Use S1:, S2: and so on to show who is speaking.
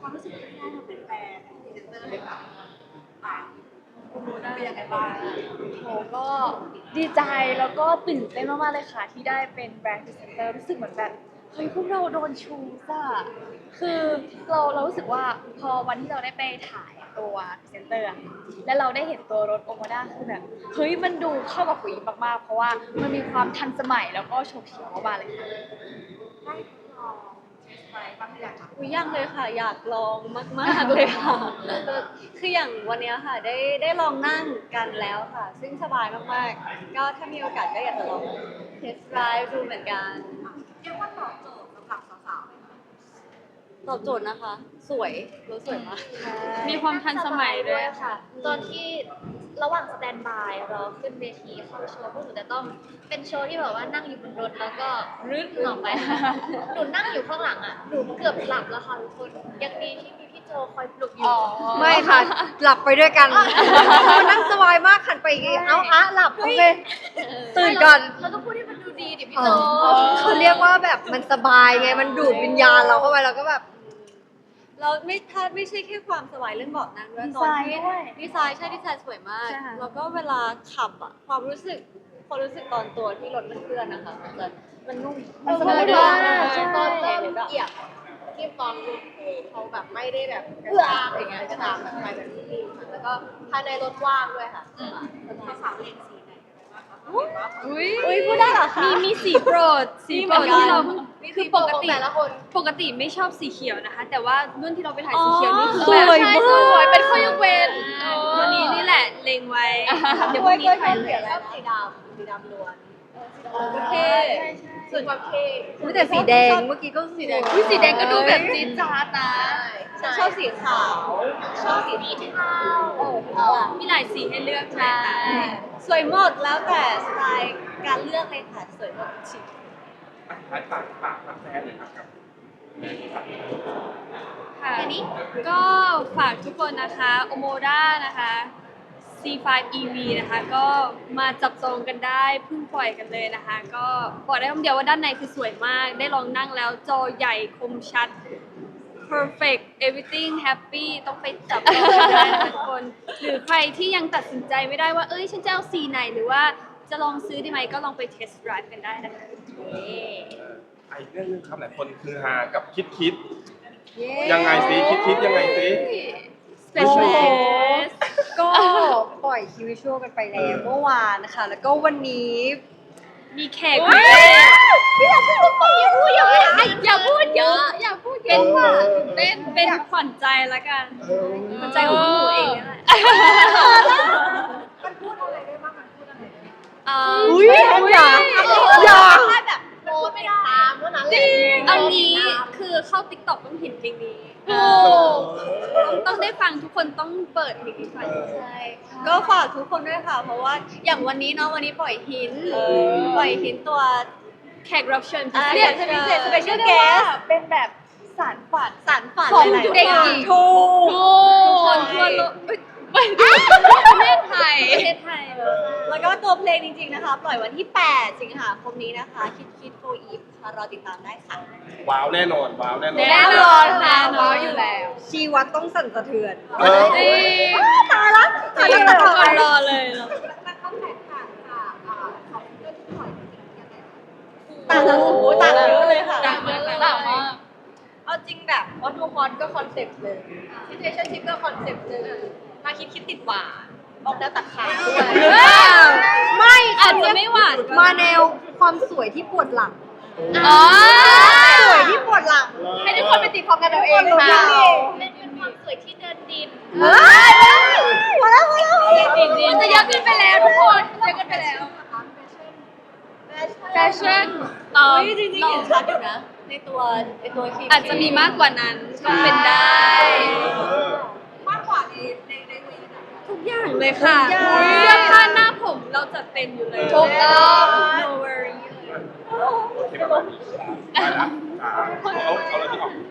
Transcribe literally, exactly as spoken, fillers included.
S1: ความรู้สึกที่ได้มาเป็นแฟนพรีเซนเตอร์เลยค่ะอ่าคุณรู้ได้เป็นยังไงบ้าง
S2: โหก็ดีใจแล้วก็ตื่นเต้นมากๆเลยค่ะที่ได้เป็นแบรนด์พรีเซนเตอร์รู้สึกเหมือนแบบเฮ้ยพวกเราโดนชูซ่ะคือเราเรารู้สึกว่าพอวันที่เราได้ไปถ่ายตัวพรีเซนเตอร์อะแล้วเราได้เห็นตัวรถโอมาด้าคือแบบเฮ้ยมันดูเข้ากับผู้หญิงมากๆเพราะว่ามันมีความทันสมัยแล้วก็โฉบเฉี่ยวมากๆเลยค่ะ
S1: ได้ทดลองเทสไดรฟ์บ้างหรือยังคะ
S3: อุ๊ยยังเลยค่ะอยากลองมากๆเลยค่ะ คืออย่างวันเนี้ยค่ะได้ได้ลองนั่งกันแล้วค่ะ ซึ่งสบายมากๆก็ถ้ามีโอกาสก็อยากจะลองเทสไดรฟ์ดูเหมือนกัน
S1: เรียกว่าตอบโจทย์สำหรับสาวๆเลยค่ะ
S3: ตอบโจทย์นะคะ สวยรถสวยมาก
S2: มีความทันสมัยด้วยค่ะ
S4: ตอนที่ระหว่างสแตนบายรอขึ้นเวทีเข้าโชว์พวกหนูจะต้องเป็นโชว์ที่แบบว่านั่งอยู่บนรถแล้วก็รึดออกไปหนูนั่งอยู่ข้างหลังอ่ะหนูเกือบหลับแล้วค่ะทุกคนยังดีที่มีพี่โจคอยปลุกอยู่
S5: ไม่ค่ะ หลับไปด้วยกันนั่งสบายมากขันไปอีกทีเอ้าอะหลับโอเคตื่นก่อน
S4: เราต้องพูดให้มันดูดีดิพี่
S5: อ๋
S4: โจ
S5: อเขาเรียกว่าแบบมันสบายไงมันดูดวิญญาณเราเข้าไปเราก็แบบ
S3: เราไม่ถ้าไม่ใช่แค่ความสบายเรื่องเบาะนั่งด้วย
S2: ดี
S3: ต
S2: ไซ
S3: อน
S2: น์
S3: ที่
S2: ด้วย
S3: ดีไซน์ใช่ดีไซน์สวยมาก
S2: ใช่ค่ะ
S3: แล้วก็เวลาขับอะความรู้สึกความรู้สึกตอนตัวที่รถมันเคลื่อนนะคะมันจะมันนุ่ม
S2: มันส
S3: ส
S2: บาย
S3: บาย
S2: มาก
S3: มาก
S2: ใช่
S1: ตอนเริ่มเหยียบที่ตอนลงเขาแบบไม่ได้แบบกระชากอะไรเงี้ยจะตามแบบไปแบบนิ่มๆค่ะแล้วก็ภายในรถว่างด้วยค่ะสาวๆเลนสีไหนกันบ้างคะเห็นว่า
S2: อุ้ย
S3: อุ้ยพูดได้เหรอคะ
S2: มีมีสีโปรดสีโปรด
S3: มีเหมือนกัน
S2: ที่เราเพิ่งคือปกติ
S1: แต่ละคน
S2: ปกติไม่ชอบสีเขียวนะคะ แต่ว่ารุ่นที่เราไปถ่ายสีเขียวนี่คือ
S3: ส
S2: แบบ
S3: วย
S2: ใช่
S3: มาก
S2: สวยเป็นข้อยกเว้นวันนี้นี่แหละเล็งไว้เดี๋ยวพรุ่งนี้ถ่ายเล
S1: เปลี่
S2: ย
S1: ยนแล้วสีดำสีดำล้วน
S3: โอเค
S1: ส่วนความเท่
S5: อุ๊ยแต่สีแดงเมื่อกี้ก็สีแดง
S2: อุ้ยสีแดงก็ดูแบบจี๊ดจ๊าดนะ
S3: ฉันชอบสีขาว
S1: ชอบสีนี้เทาเออเทา
S2: มีหลายสีให้เลือกใช่ไหมคะ
S3: สวยหมดแล้วแต่สไตล์การเลือกเลยค่ะสวยหมดชิค
S6: ปากปากปากปากแฟนเลยครับกับ
S2: ค่ะก็ฝากทุกคนนะคะโอโมด้านะคะ ซี ไฟว์ อี วี นะคะ ก็มาจับจองกันได้เพิ่งปล่อยกันเลยนะคะ ก็บอกได้คำเดียวว่าด้านในคือสวยมาก ได้ลองนั่งแล้วจอใหญ่คมชัด perfect everything happy ต้องไปจับจองกันได้นะคะทุกคน หรือใครที่ยังตัดสินใจไม่ได้ว่า เอ้ย ฉันจะเอาสีไหนหรือว่าจะลองซื้อดีไหมก็ลองไป test drive กันได้นะคะเย้
S6: ไอ้เรื่องนึงครับหลายคนคือฮากับคิดคิดยังไงสิคิดคิดยังไงสิ
S2: special
S5: โอ้
S2: guest
S5: ก็ปล่อยคิววิชวลกันไปแล้วเมื่อวานนะคะ แล้วก็วันนี้
S2: มีแขกพิเศษอย่าพูดเยอะอย่าพูดเยอะอย่าพูดเยอะค่ะเป็นเป็นขวัญใจละกันขวัญใจของพวกหนูเองนี่แหละ
S1: มันพูดอะไรได้บ้างมันพูดอะไรได้บ้าง
S2: เอ่อ
S5: อุ้ยอย่าอย่า
S1: แค่แบบโมติดตามเท่านั้นแหละ
S2: เอางี้คือเข้า ติ๊กต็อก ต้องเห็นเพลงนี้ต้องต้องได้ฟังทุกคนต้องเปิดเพลงนี้ฟัง
S3: ใช่ก็ฝากทุกคนด้วยค่ะ เพราะว่าอย่างวันนี้เนาะวันนี้ปล่อยหินปล่อยหินตัว
S2: แขกรับเชิญพิ
S3: อ่า
S2: เศ
S3: เรีย
S2: ษ
S3: กพิเศษ
S2: เรีย
S3: special
S2: กได้ว่า
S3: guest
S2: เป็นแบบสารฝัน
S3: สารฝัน
S2: ของ
S3: หลายๆ
S2: เด็ก
S3: อย่าง
S2: หญิง
S3: ถูก
S2: ทุกคนทั่วโลกเอ้ยไม่ประเทศไทยประเทศไทย
S3: แล้วก็ตัวเพลงจริงๆนะคะ ปล่อยวันที่ แปด สิงหาคมนี้นะคะ คิดคิดโฟอีฟค่ะรอติดตามได้ค่ะ
S6: ว้าวแน่นอนว้าวแน่นอน
S2: แน่นอนค่ะว้าวอยู่แล้ว
S5: ชีวัตต้องสั่นสะเทือน
S6: เออ
S2: จริง
S5: ตายละ
S2: จริงทุกคนรอเลยเนอะ
S1: มันต้องแตกต่างจากอ่าของเพื่อนที่ปล่อยจริงๆยังไงคะ
S3: ต่างกันโอ้โหต่างเยอะเลยค่ะ
S2: ต่างมากต่างมาก
S1: เอาจริงแบบวัตถุฮอตก็คอนเซ็ปต์เลยซิเทชั่นชิพก็คอนเซ็ปต์เลยมาคิดคิดติดหวานออกแนวตัดขาด้วย
S5: หรือเปล่าไม่
S2: อาจจะไม่หวานก็
S5: มาแนวความสวยที่ปวดหลัง
S2: อ๋อ
S5: สวยที่ปวดหลัง
S1: ให้ทุกคนไปตีความกันเอาเองค่ะ
S4: เป็นเป็นความสวยที่เดินดิน
S5: เฮ้ยมาแล้วมาแล้ว
S2: จริงๆมันจะเยอะขึ้นไปแล้วทุกคนเยอะขึ้นไปแล้ว แฟชั่นเอ่อ
S3: เฮ้ยจริงๆเห็นชัดอยู่นะ ในตัวในตัวคลิป
S2: อาจจะมีมากกว่านั้นก็เป็นได้
S1: มากกว่าในในในเวทีไหน
S2: ทุกอย่างเลยค่ะเสื้อผ้าหน้าผมเราจัดเต็มอยู่เลย
S1: ถูกต้อง
S2: no worry
S6: โอเคประมาณนี้ไปละอ่าเอาเอาเราที่ออก